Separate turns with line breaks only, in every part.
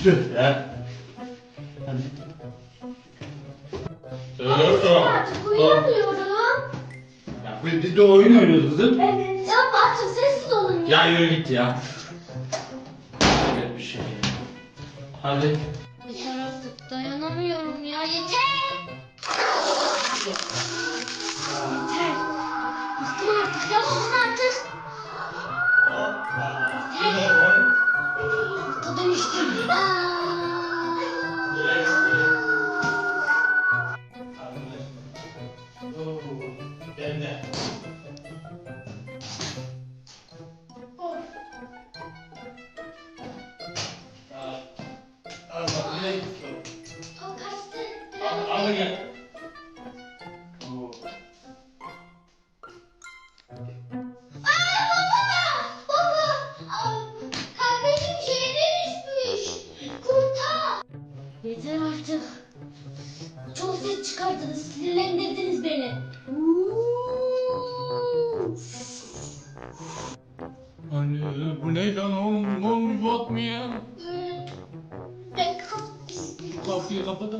Tüh ya. Hadi.
Artık uyuyamıyorum.
Ya biz de oyun oynuyoruz kızım.
Evet. Ya artık sessiz olun ya.
Ya yürü git ya. Evet bir şey. Hadi.
Yeter artık dayanamıyorum ya yeter. Yeter. Bıktım artık yapın artık. Yeter. Kurta dönüştüm. O kaçtı.
Al gel.
Kardeşim şeye dönüşmüş. Kurta. Yeter artık. Çok ses çıkardınız. Sinirlendirdiniz beni.
Anne bu ne lan oğlum? Ne olmuş bak mı ya?
Ben
Kapıyı kapat.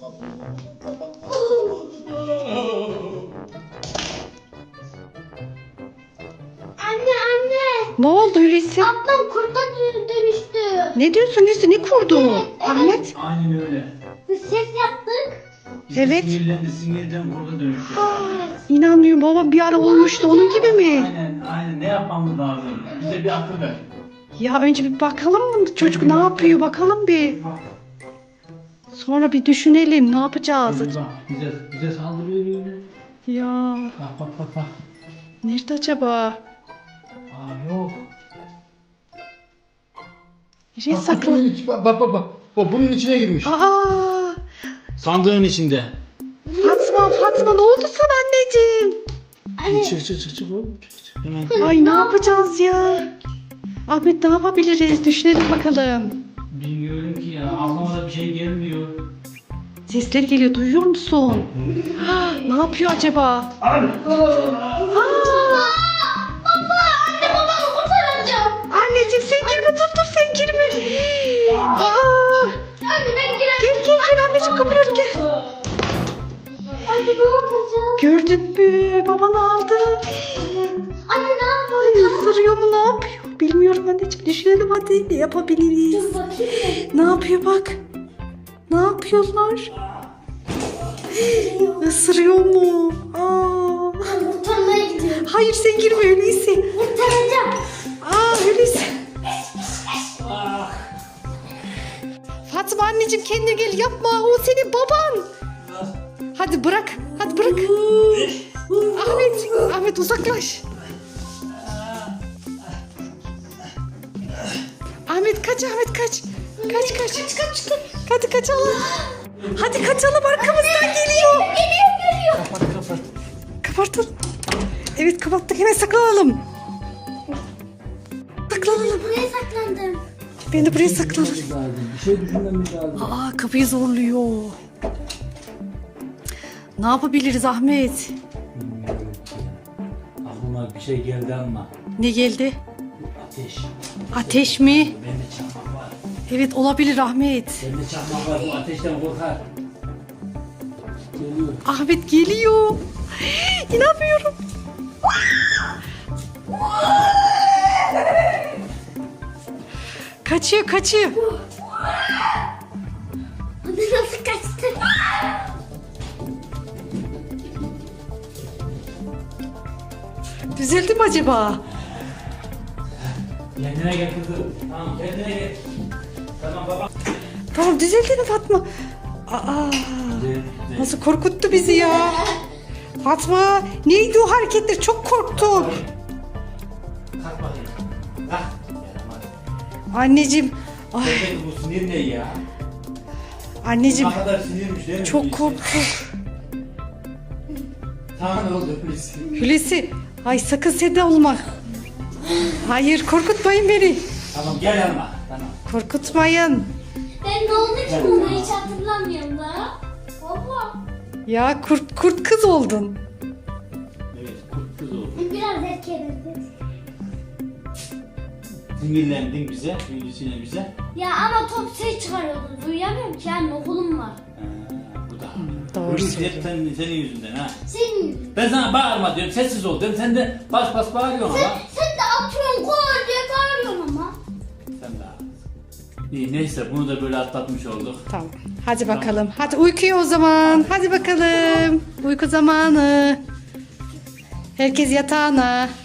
Anne.
Ne oldu Hulusi?
Ablam kurta dönüştü.
Ne diyorsun Hulusi? Ne kurdu? Ahmet?
Aynen öyle.
Biz ses yaptık.
Biz de
Evet.
sinirden burada dönüştü.
İnanmıyorum baba, bir ara olmuştu onun gibi mi?
Aynen ne yapmamız lazım? Bize bir akıl ver.
Ya önce bir bakalım mı? Çocuk ne yapıyor bakalım bir. Sonra bir düşünelim ne yapacağız.
Bak bize saldırıyor yine.
Ya
Bak.
nerede acaba?
Aa yok.
Nereye saklı?
Bak. O bunun içine girmiş.
Aa,
Sandığın içinde.
Fatma ne oldu sana anneciğim?
Çık oğlum. Hemen.
Ay ne yapacağız ya? Ahmet ne yapabiliriz? Düşünelim bakalım.
Bilmiyorum ki ya. Aklıma da bir şey gelmiyor.
Sesler geliyor, duyuyor musun? Ne yapıyor acaba?
Baba anne babamı kurtaracağım.
Anneciğim sen girme, dur sen girme. Aa,
Anne ben giremem.
gel anneciğim, kapıyorum gel.
Anne ne yapacağım?
Gördün mü? Baban aldı.
Anne ne yapacağım?
Isırıyor mu, ne yapıyor? Bilmiyorum anneciğim, düşünelim hadi, ne yapabiliriz?
Dur bakayım.
Ne yapıyor bak? Ne yapıyorlar? Isırıyor mu? Aa.
Kurtarmaya gidiyorum.
Hayır sen girme öyleyse.
Kurtaracağım.
Öyleyse. Fatma anneciğim kendine gel, yapma, o senin baban. Hadi bırak. Ahmet uzaklaş. Ahmet kaç. Kaç. Hadi kaçalım. Hadi kaçalım, arkamızdan geliyor.
Geliyor.
Kapat.
Kapatın. Evet kapattık, hemen saklanalım.
Buraya saklandım.
Ben de buraya saklanırım.
Bir şey düşünmemiz lazım.
Aa, kapıyı zorluyor. Ne yapabiliriz Ahmet?
Aklıma bir şey geldi ama.
Ne geldi?
Ateş.
Ateş mi?
Bende çakmak var.
Evet olabilir Ahmet.
Bende çakmak var. Bu ateşten korkar. Geliyor.
Ahmet geliyor. İnanmıyorum. Kaçıyor.
Anne nasıl kaçtı?
Düzeldi mi acaba?
Kendine gel kızım. Tamam kendine gel. Tamam baba.
Tamam düzeldi mi Fatma? Aa, nasıl korkuttu bizi ya. Fatma neydi o hareketler, çok korktum.
Kalk bakayım. Kalk.
Anneciğim. Ay,
Bebek bu sinir ne ya?
anneciğim
Ne kadar sinirmiş değil mi?
çok korktuk.
Sana ne oldu Hulusi?
Hulusi, ay sakın sen de olma. Hayır korkutmayın beni.
Tamam gel yanıma. Tamam.
Korkutmayın.
Ben ne oldu ki buna hiç hatırlamıyorum da. Baba.
Ya kurt kız oldun.
Evet kurt kız oldu.
Biraz erken.
sinirlendin bize, büyüdüsüne bize.
Ya ama top ses çıkarıyordu. Duyamıyorum ki anne okulum var.
Bu da.
Doğru
Hulusi hep senin yüzünden ha.
Senin.
Ben sana bağırma diyorum, sessiz ol diyorum. Sen de bas bas bağırıyorsun ama.
Sen de atıyorsun koy diye bağırıyorsun ama.
Sen de haklısın. İyi neyse bunu da böyle atlatmış olduk.
Tamam. Hadi bakalım. Hadi uykuya o zaman. Hadi bakalım. Uyku zamanı. Herkes yatağına.